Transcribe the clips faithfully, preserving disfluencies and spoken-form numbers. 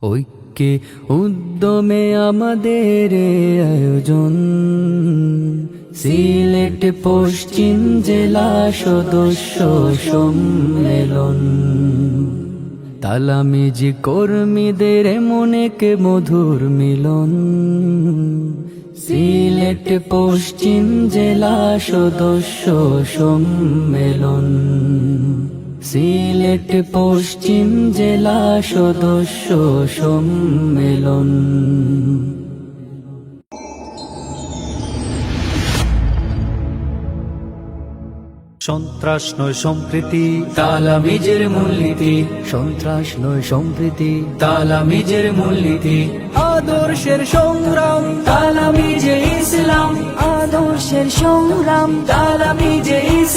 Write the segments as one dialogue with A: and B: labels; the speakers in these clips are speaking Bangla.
A: ঐক্যে উদ্যমে আমাদের আয়োজন, সিলেট পশ্চিম জেলা সদস্য সম্মেলন। তালামিজি কর্মীদের মনেকে মধুর মিলন, সিলেট পশ্চিম জেলা সদস্য সম্মেলন। সিলেট পশ্চিম জেলা সদস্য সম্মেলন।
B: সন্ত্রাস নয় সম্প্রীতি,
A: তালামিজের মূলনীতি। সন্ত্রাস নয় সম্প্রীতি, তালামিজের মূলনীতি। আদর্শের সংগ্রাম, তালামিজে ইসলাম।
C: আদর্শের সংগ্রাম,
A: তালামিজে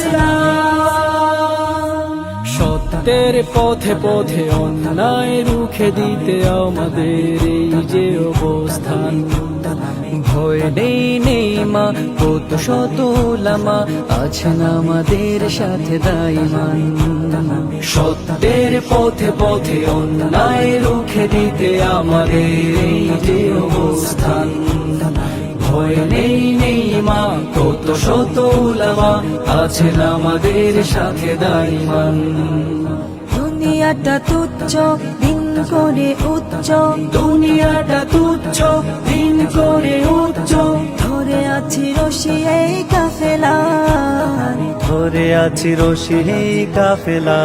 A: ইসলাম।
B: সত্যের পথে পথে অন্যায় রুখে দিতে আমাদের এই যে অবস্থান।
A: ভয় নেই নেই মা, কত শত উলামা আছেন আমাদের সাথে দাইমান। সত্যের পথে পথে অন্যায় রুখে দিতে আমাদের এই যে অবস্থান। ভয় নেই নেই মা, কত শত উলামা আছেন আমাদের সাথে দাইমান।
C: দুনিয়াটা তুচ্ছ, দিন করে উচ্চ।
A: দুনিয়াটা তুচ্ছ, দিন করে উচ্চ।
C: ধরে আছি রশি এই কাফেলার,
B: ধরে আছি রশি এই কাফেলা।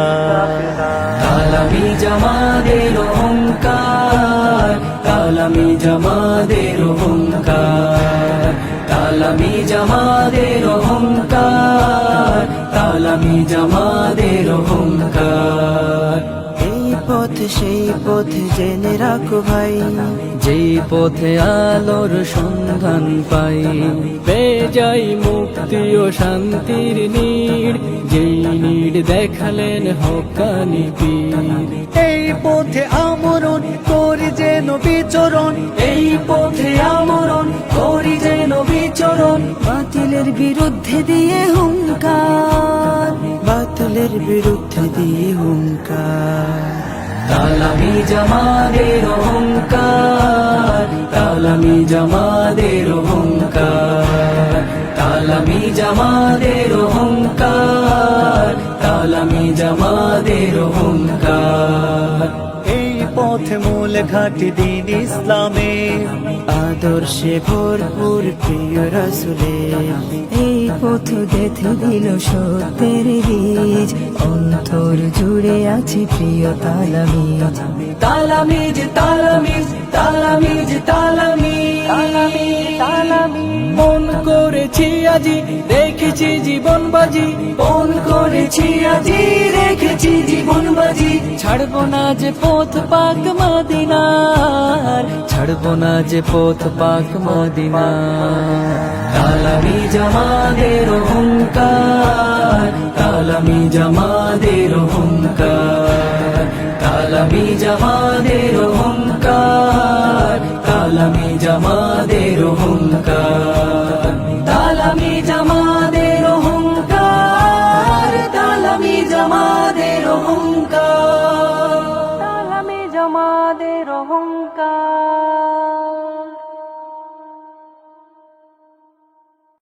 A: তালামি জামাদের অহংকার, তালামি জামাদের অহংকার। তালামি জামাদের অহংকার, তালামি জামাদের অহংকার।
C: এই পথ সেই পথ জেনে রাখো ভাই,
A: যেই পথে আলোর সন্ধান পাই।
B: পেয়ে যাই মুক্তি ও শান্তির নীড়, যেই নীড় দেখালেন হক্কানি পীর। এই পথে আমরণ করি যেন বিচরণ,
A: এই পথে আমরণ করি যেন বিচরণ।
C: বাতিলের বিরুদ্ধে দিয়ে হুঙ্কার, বাতিলের বিরুদ্ধে দিয়ে হুঙ্কার।
A: তালামি জামাদের অহংকার, তালামি জামাদের অহংকার। তালামি জামাদের অহংকার, তালামি জামাদের অহংকার।
B: এই পথে মূল ঘাটি দিন ইসলামে,
C: আদর্শে ভরপুর প্রিয় রাসূলের। এই পথ গেঁথে দিল সত্যের বীজ, অন্তর জুড়ে আছে প্রিয় তালামিজ।
A: তালামিজ তালামিজ তালামিজ তালামিজ।
B: মন করেছি আজি রেখেছি জীবন বাজি,
A: মন করেছি আজি রেখেছি জীবন বাজি।
B: ছাড়বো না যে পথ পাক মদিনার,
A: ছাড়বো না যে পথ পাক মদিনার। তালামি জামাদের অহংকার, তালামি জামাদের অহংকার। তালামি জামাদের অহংকার, তালামি জামাদের অহংকার।